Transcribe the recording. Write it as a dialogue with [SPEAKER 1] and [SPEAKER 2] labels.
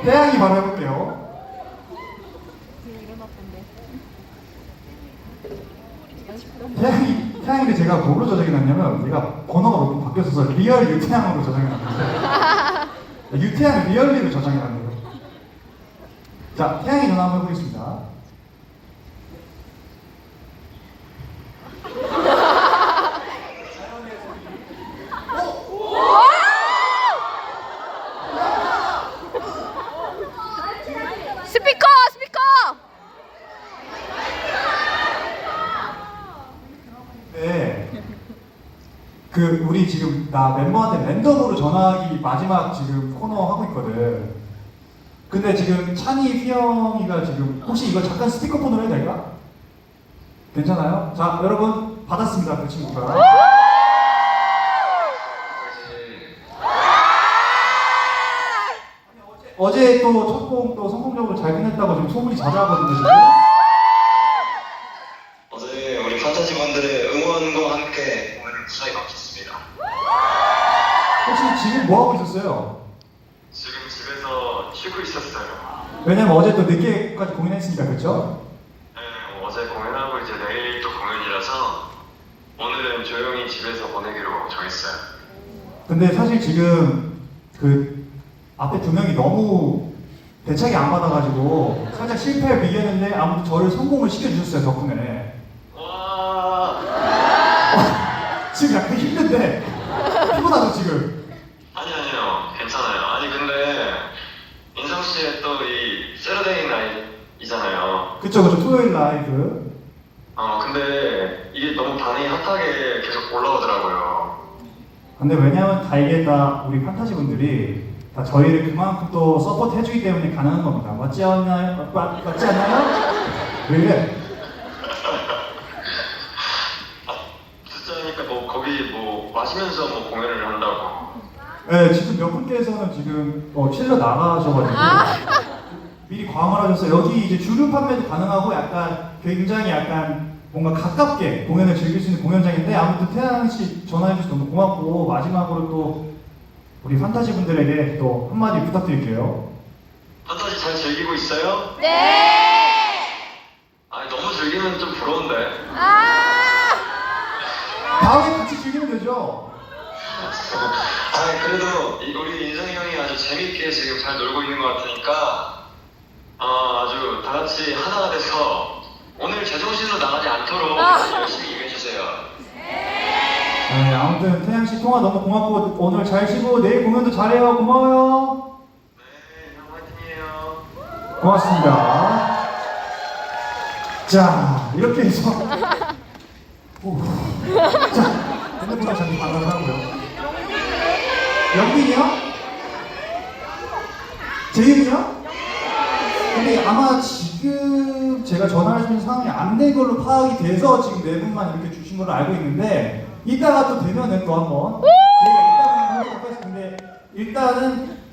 [SPEAKER 1] 태양이 바로 해볼게요. 태양인데 제가 뭐로 저장해 놨냐면 얘가 번호가 몇 번 바뀌어서 리얼 유태양으로 저장해 놨는데 유태양을 리얼리로 저장해 놨네요. 자, 태양이 전화 한번 해보겠습니다.
[SPEAKER 2] 스피커! 스피커!
[SPEAKER 1] 네. 우리 지금 나 멤버한테 랜덤으로 전화하기 마지막 지금 코너 하고 있거든. 근데 지금 찬이, 휘영이가 지금 혹시 이거 잠깐 스피커폰으로 해도 될까? 괜찮아요? 자, 여러분 받았습니다. 그 친구가. 어제 또 첫 곡 또 성공적으로 잘 끝냈다고 지금 소문이 자자하거든요, 지금.
[SPEAKER 3] 어제 우리 판타지분들의 응원과 함께 공연을 무사히 마쳤습니다.
[SPEAKER 1] 혹시 지금 뭐 하고 있었어요?
[SPEAKER 3] 지금 집에서 쉬고 있었어요.
[SPEAKER 1] 왜냐면 어제 또 늦게까지 공연했으니까, 그렇죠?
[SPEAKER 3] 네, 어제 공연하고 이제 내일 또 공연이라서 오늘은 조용히 집에서 보내기로 정했어요.
[SPEAKER 1] 근데 사실 지금 앞에 두 명이 너무 대책이 안 받아가지고 살짝 실패를 비겼는데 아무튼 저를 성공을 시켜주셨어요, 덕분에.
[SPEAKER 3] 와.
[SPEAKER 1] 지금 약간 힘든데 피곤하죠 지금.
[SPEAKER 3] 아니요, 괜찮아요. 아니 근데 인성 씨의 또 이 세러데이 나잇이잖아요.
[SPEAKER 1] 그쵸, 토요일 라이브.
[SPEAKER 3] 근데 이게 너무 반응이 핫하게 계속 올라오더라고요.
[SPEAKER 1] 근데 왜냐면 이게 다 우리 판타지 분들이 다 저희를 그만큼 또 서포트 해주기 때문에 가능한 겁니다. 맞지 않나요? 맞지 않나요? 왜 이래?
[SPEAKER 3] 듣자니까 뭐 거기 뭐 마시면서 뭐 공연을 한다고.
[SPEAKER 1] 네, 지금 몇 분께서는 지금 칠러 나가셔가지고 미리 광을 하셨어요. 여기 이제 주류 판매도 가능하고 약간 굉장히 약간 뭔가 가깝게 공연을 즐길 수 있는 공연장인데 아무튼 태양 씨 전화해주셔서 너무 고맙고 마지막으로 또 우리 판타지 분들에게 또 한마디 부탁드릴게요.
[SPEAKER 3] 판타지 잘 즐기고 있어요?
[SPEAKER 2] 네!
[SPEAKER 3] 아니 너무 즐기면 좀 부러운데.
[SPEAKER 1] 다음에 같이 즐기면 되죠?
[SPEAKER 3] 아니 그래도 우리 인성이 형이 아주 재밌게 지금 잘 놀고 있는 것 같으니까 아주 다 같이 하나가 돼서 오늘 제정신으로 나가지 않도록 열심히 임해주세요.
[SPEAKER 1] 네, 아무튼 태양 씨 통화 너무 고맙고 오늘 잘 쉬고 내일 공연도 잘해요. 고마워요.
[SPEAKER 3] 네, 형 화이팅이에요.
[SPEAKER 1] 고맙습니다. 자, 이렇게 해서 자, 핸드폰을 잠시 반응을 하고요. 영빈이요? 재윤이요? 근데 아마 지금 제가 전화할 수 있는 상황이 안 된 걸로 파악이 돼서 지금 네 분만 이렇게 주신 걸로 알고 있는데 이따가 또 되면은 또 한번 저희가 이따가 하도록 하겠습니다. 근데 일단은